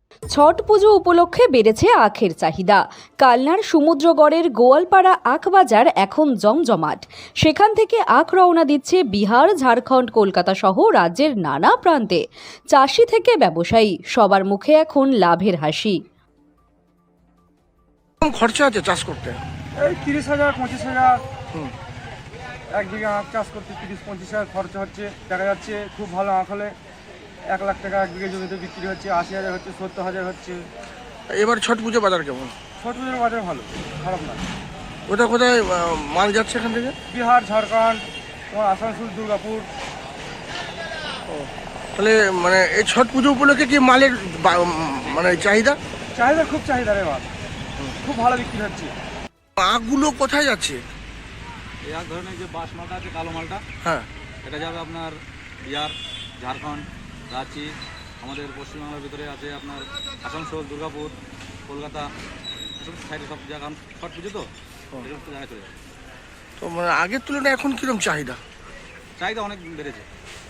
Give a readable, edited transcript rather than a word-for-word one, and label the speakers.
Speaker 1: ছট পুজো উপলক্ষে বেড়েছে আখের চাহিদা। কালনার সমুদ্রগড়ের গোয়ালপাড়া আখ বাজার এখন জমজমাট। সেখান থেকে আখ রওনা দিচ্ছে বিহার, ঝাড়খণ্ড, কলকাতা সহ রাজ্যের নানা প্রান্তে। চাষি থেকে ব্যবসায়ী সবার মুখে এখন লাভের হাসি।
Speaker 2: খরচা আছে চাষ করতে?
Speaker 3: এই 30,000 25,000 এক বিঘা আখ চাষ করতে 30-25,000 খরচা হচ্ছে। দেখা যাচ্ছে খুব ভালো আখ হলে 1 লাখ টাকা এক বিঘা জমিতে বিক্রি হচ্ছে, 80,000 হচ্ছে, 70,000 হচ্ছে।
Speaker 2: এবার ছট পুজো বাজার কেমন?
Speaker 3: ছোট পুজোর বাজার ভালো, খারাপ না।
Speaker 2: কোথায় কোথায় মাল যাচ্ছে এখান থেকে?
Speaker 3: বিহার, ঝাড়খণ্ড, তোমার আসানসোল, দুর্গাপুর।
Speaker 2: তাহলে মানে এই ছট পুজো উপলক্ষে কি মালের মানে চাহিদা?
Speaker 3: চাহিদা খুব চাহিদা রে মাল, খুব ভালো বিক্রি হচ্ছে।
Speaker 2: আখগুলো কোথায় যাচ্ছে?
Speaker 4: এই এক ধরনের যে বাস মালটা আছে, কালো মালটা,
Speaker 2: হ্যাঁ,
Speaker 4: এটা যাবে আপনার বিহার, ঝাড়খণ্ড, রাঁচি, আমাদের পশ্চিমবাংলার ভিতরে আছে আপনার আসানসোল, দুর্গাপুর, কলকাতা, এসব সাইডে সব জায়গা ছট পুজো তো এসব জায়গায় চলে যাবে।
Speaker 2: তো মানে আগের তুলনায় এখন কিরকম চাহিদা?
Speaker 4: চাহিদা অনেক বেড়েছে।